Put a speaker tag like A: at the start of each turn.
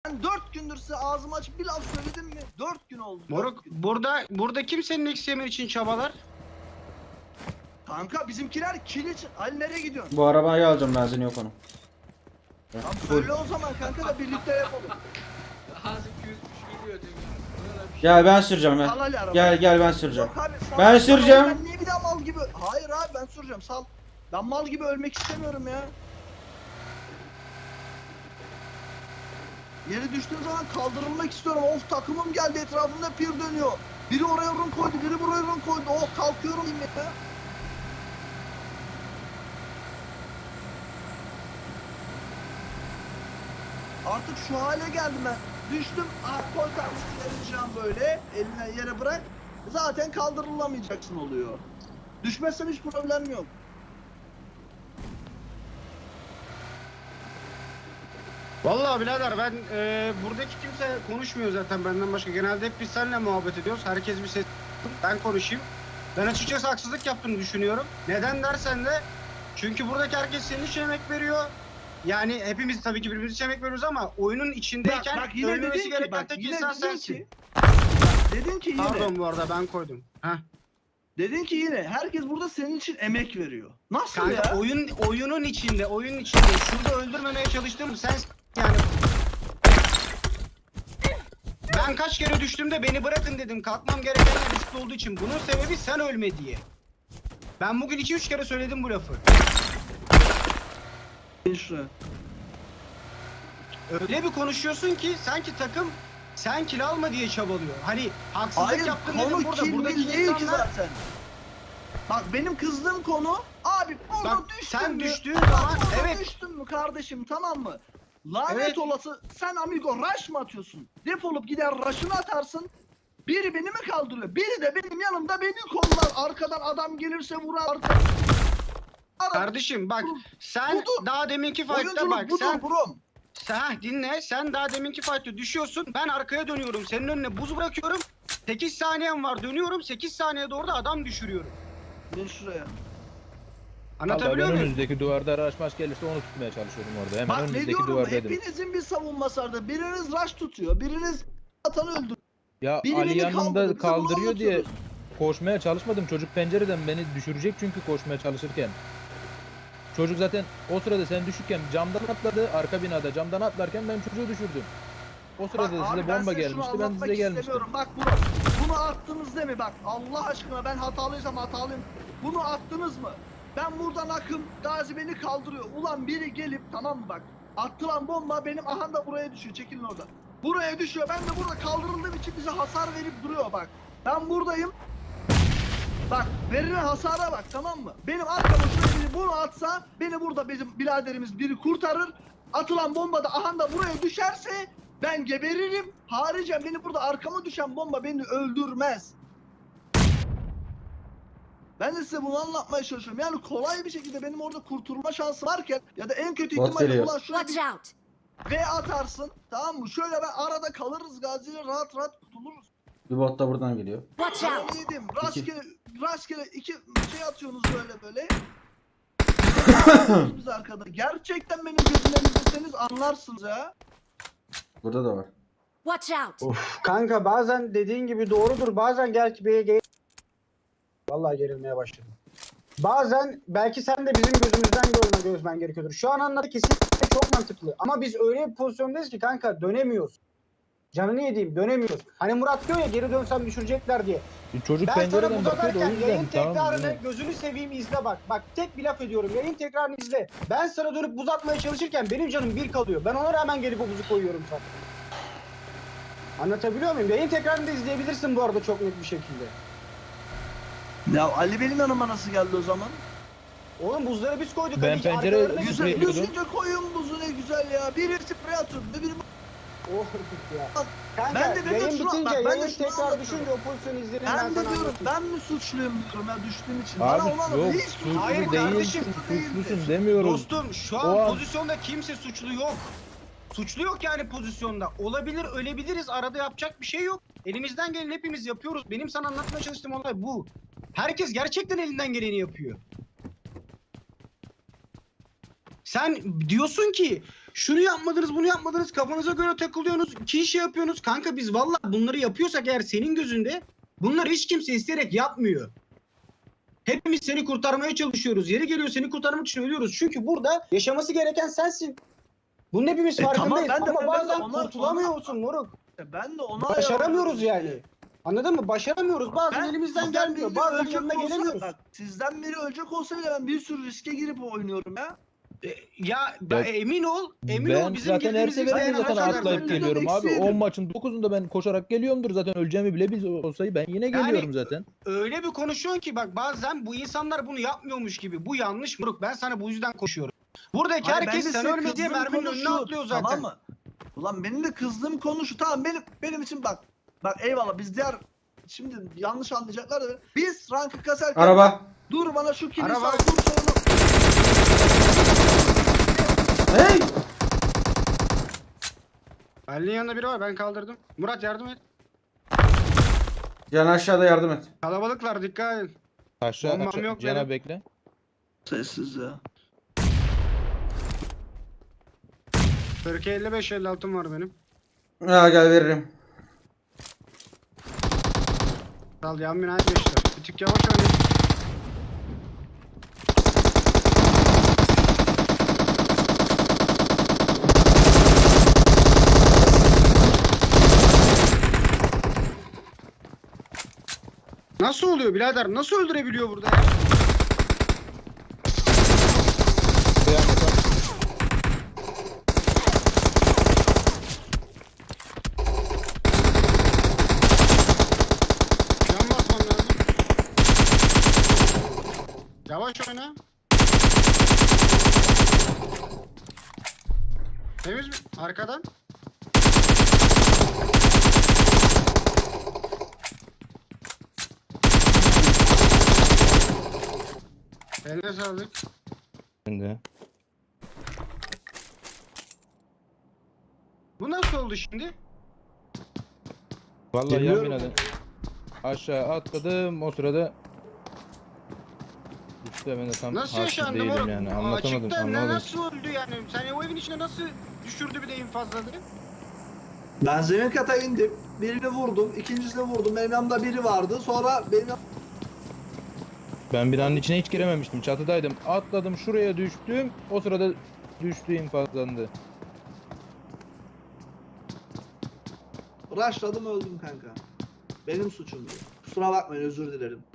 A: Ben 4 gündür size ağzımı açıp bir laf söyledim mi? 4 gün oldu.
B: Moruk burada kimsenin eksi yemen için çabalar?
A: Kanka bizimkiler kiliç. Ali nereye gidiyorsun?
C: Bu arabayı alacağım, benzin yok onun.
A: Tamam söyle o zaman kanka da birlikte yapalım.
D: Ağzı küsmüş geliyor diyor. Böyle bir şey.
C: Gel ben süreceğim ben.
A: Al Ali arabayı.
C: Gel ben süreceğim.
A: Yok abi, sal.
C: Ben süreceğim.
A: Ben niye bir daha mal gibi... Hayır abi ben süreceğim sal. Ben mal gibi ölmek istemiyorum ya. Yere düştüğüm zaman kaldırılmak istiyorum. Of takımım geldi etrafımda pir dönüyor. Biri oraya run koydu, biri buraya run koydu. Oh kalkıyorum yine ya. Artık şu hale geldim ben. Düştüm, koy kardeşim vereceğim böyle. Eline yere bırak. Zaten kaldırılamayacaksın oluyor. Düşmezsen hiç problem yok.
B: Vallahi birader ben buradaki kimse konuşmuyor zaten benden başka. Genelde hep biz seninle muhabbet ediyoruz. Herkes bir ses. Ben konuşayım. Ben açıkçası haksızlık yaptığını düşünüyorum. Neden dersen de çünkü buradaki herkes senin için emek veriyor. Yani hepimiz tabii ki birbirimiz için emek veriyoruz ama oyunun içindeyken
A: Bak yine
B: ölmemesi
A: dedin ki,
B: gereken
A: bak
B: tek
A: yine
B: insan
A: dedin
B: sensin.
A: ki. Dedin ki yine.
B: Pardon bu arada ben koydum. Heh.
A: Dedin ki yine herkes burada senin için emek veriyor. Nasıl
B: Kanka
A: ya?
B: oyunun içinde şurada öldürmemeye çalıştım sen yani. Ben kaç kere düştüğümde beni bırakın dedim. Kalkmam gereken yer riskli olduğu için. Bunun sebebi sen ölme diye. Ben bugün 2-3 kere söyledim bu lafı.
A: Şuraya.
B: Öyle bir konuşuyorsun ki sanki takım sen kill alma diye çabalıyor. Hani haksızlık
A: Hayır
B: yaptın
A: konu
B: dedim burada.
A: kill
B: Buradaki
A: bill değil ki
B: insanlar...
A: zaten. Bak benim kızdığım konu abi burada
B: Bak,
A: düştün
B: sen
A: mü?
B: düştüğün
A: Bak,
B: zaman
A: burada
B: evet.
A: düştün mü kardeşim tamam mı? Lanet
B: Evet.
A: olası sen amigo rush mı atıyorsun? Defolup gider rush'ını atarsın. Biri beni mi kaldırıyor? Biri de benim yanımda beni kollar. Arkadan adam gelirse vurar.
B: Kardeşim bak sen
A: Budur.
B: daha deminki fight'ta
A: Oyunculuk
B: bak
A: budur
B: sen
A: brom.
B: dinle sen daha deminki fight'ta düşüyorsun ben arkaya dönüyorum senin önüne buz bırakıyorum 8 saniyem var dönüyorum 8 saniyede orada adam düşürüyorum.
A: Gel şuraya.
B: Anlatabiliyor
E: Ben
B: muyum?
E: önünüzdeki duvarda rush maç gelirse onu tutmaya çalışıyordum orada. Hemen
A: Bak ne
E: önünüzdeki
A: diyorum
E: duvardaydım.
A: hepinizin bir savunması vardı. Biriniz rush tutuyor, biriniz atanı öldürüyor.
E: Ya
A: Biri
E: Ali
A: beni
E: yanımda
A: kaldırdı, bize bunu
E: kaldırıyor diye
A: anlatıyoruz.
E: koşmaya çalışmadım. Çocuk pencereden beni düşürecek çünkü koşmaya çalışırken. Çocuk zaten o sırada sen düşürken camdan atladı. Arka binada camdan atlarken ben çocuğu düşürdüm. O sırada da
A: abi
E: size
A: ben
E: bomba
A: size şunu
E: gelmişti. Ben
A: anlatmak
E: size gelmiştim.
A: istemiyorum. Bak bunu attınız değil mi? Bak Allah aşkına ben hatalıysam hatalıyım. Bunu attınız mı? Ben buradan akım Gazi beni kaldırıyor. Ulan biri gelip tamam mı bak. Attılan bomba benim aha da buraya düşüyor. Çekilin orada. Buraya düşüyor. Ben de burada kaldırıldığım için bize hasar verip duruyor bak. Ben buradayım. Bak verilen hasara bak tamam mı? Benim arkama şöyle biri bunu atsa beni burada bizim biraderimiz biri kurtarır. Atılan bomba da aha da buraya düşerse ben geberirim. Haricen beni burada arkama düşen bomba beni öldürmez. Ben de size bunu anlatmaya çalışıyorum. Yani kolay bir şekilde benim orada kurtulma şansı varken ya da en kötü
C: Bot
A: ihtimalle
C: geliyor.
A: ulan şuraya
F: Watch
A: bir
F: out!
A: V atarsın. Tamam mı? Şöyle ben arada kalırız Gazi'yle rahat rahat kurtuluruz.
C: Bir bot da buradan geliyor.
F: Watch
A: Ben
F: out!
A: yedim. Rastgele iki şey atıyorsunuz böyle. Biz arkada. Gerçekten benim gözümden izleseniz anlarsınız ya.
C: Burada da var.
F: Watch out!
B: Of kanka bazen dediğin gibi doğrudur bazen gel vallahi gerilmeye başladım. Bazen belki sen de bizim gözümüzden gözmen gerekiyordur. Şu an anladık kesinlikle çok mantıklı. Ama biz öyle bir pozisyondayız ki kanka dönemiyoruz. Canını yediğim dönemiyoruz. Hani Murat diyor ya geri dönsem düşürecekler diye.
E: Çocuk
B: Ben sana
E: pencereden
B: bu
E: bakıyordu o
B: zaten
E: yüzden.
B: yayın
E: Tamam,
B: tekrarını
E: yine.
B: gözünü seveyim izle bak. Bak tek bir laf ediyorum yayın tekrarını izle. Ben sana dönüp buz atmaya çalışırken benim canım bir kalıyor. Ben ona rağmen gelip o buzu koyuyorum sana. Anlatabiliyor muyum? Yayın tekrarını da izleyebilirsin bu arada çok net bir şekilde.
A: Ya Ali benim yanıma nasıl geldi o zaman?
B: Oğlum buzları biz koyduk.
E: Ben
B: hani
E: pencere-
B: arkalarına
E: Güzel,
A: Güzel,
E: bekliyordum.
A: düzgünce koyun buzu ne güzel ya. Biri sprey atıyordu, biri
B: Oh ya. Kanka
A: Ben de
B: yayın
A: şunu-
B: bitince
A: bak, ben de
B: yayın
A: şunu
B: tekrar
A: anlatıyorum.
B: düşünce o pozisyonu izlerim
A: ben de
B: sana
A: diyorum
B: anlatayım.
A: ben mi suçluyum diyorum ya düştüğüm için.
E: Abi
A: Bana olan
E: yok
A: hiç
E: suçlu
B: Hayır
E: değilsin,
B: kardeşim,
E: suçlusun demiyoruz.
B: Dostum şu
E: O
B: an
E: an-
B: pozisyonda kimse suçlu yok. Suçlu yok yani pozisyonda. Olabilir, ölebiliriz. Arada yapacak bir şey yok. Elimizden geleni hepimiz yapıyoruz. Benim sana anlatmaya çalıştığım olay bu. Herkes gerçekten elinden geleni yapıyor. Sen diyorsun ki şunu yapmadınız, bunu yapmadınız, kafanıza göre takılıyorsunuz, iki iş yapıyorsunuz. Kanka biz vallahi bunları yapıyorsak eğer senin gözünde bunları hiç kimse isteyerek yapmıyor. Hepimiz seni kurtarmaya çalışıyoruz. Yeri geliyor seni kurtarmak için ölüyoruz. Çünkü burada yaşaması gereken sensin. Bunun hepimiz farkındayız.
A: tamam, ben de
B: Ama bazen
A: ona-
B: kurtulamıyorsun moruk.
A: Ben de ona
B: Başaramıyoruz
A: ayarlıyorum
B: yani. Anladın mı? Başaramıyoruz. Bazen
A: Ben
B: elimizden
A: sizden
B: gelmiyor.
A: biri
B: Bazen
A: ölecek
B: yanına
A: olsa-
B: gelemiyoruz.
A: bak, sizden biri ölecek olsa bile ben bir sürü riske girip oynuyorum ya.
B: Ya
E: Ya,
B: emin ol
E: Ben
B: bizim
E: zaten her
B: girdiğimiz
E: seferinde
B: riskleyen
E: zaten
B: araçlar
E: atlayıp
B: var.
E: geliyorum abi.
A: eksiğim.
E: 10 maçın 9'unda ben koşarak geliyorumdur zaten, öleceğimi bile biz olsaydı ben yine
B: Yani-
E: geliyorum zaten.
B: Öyle bir konuşuyorsun ki bak bazen bu insanlar bunu yapmıyormuş gibi. Bu yanlış moruk. Ben sana bu yüzden koşuyorum. Buradaki
A: Hayır, ben
B: herkes
A: de
B: sen
A: size
B: ölme diye
A: kızdığım
B: merminin
A: konu
B: önüne
A: şu,
B: atlıyor zaten.
A: Tamam mı? Ulan benim de kızdığım konu şu. Tamam benim için bak. Bak eyvallah biz diğer şimdi yanlış anlayacaklar da biz rankı kasarken
C: Araba.
A: dur bana şu kilisi
B: Araba.
A: al dur sonra
C: Hey!
B: Ali'nin yanında biri var ben kaldırdım. Murat yardım et.
C: Can aşağıda yardım et.
B: Kalabalıklar dikkat et.
E: Aşağı,
B: Bombam
E: aşağı
B: yok
E: Cana
B: benim.
E: bekle.
A: sessiz ya.
B: 40-55-56'm var benim.
C: Ha gel veririm.
B: Sal yan binaya geçtiler. Bir tık yavaş oynayın. Nasıl oluyor birader? Nasıl öldürebiliyor burada ya? Can basmam lazım. Yavaş oyna. Temiz mi? Arkadan. Eline sağlık.
E: Şimdi.
B: Bu nasıl oldu şimdi?
E: Vallahi yan
A: Bilmiyorum.
E: binadan aşağı atladım o sırada. İşte ben de tam
B: Nasıl
E: hakim
B: yaşandı
E: değilim
B: moruk?
E: yani, anlatamadım.
B: Açıkta ne
E: Anlamadım.
B: nasıl öldü yani? Sen o evin içine nasıl düşürdü bir de infazladı?
A: Ben zemin kata indim. Birini vurdum. İkincisini vurdum. Benim yanımda biri vardı. Sonra benim
E: Ben binanın içine hiç girememiştim. Çatıdaydım. Atladım şuraya düştüm. O sırada düştü, infazlandı.
A: rushladım öldüm kanka. Benim suçumdu. Kusura bakmayın özür dilerim.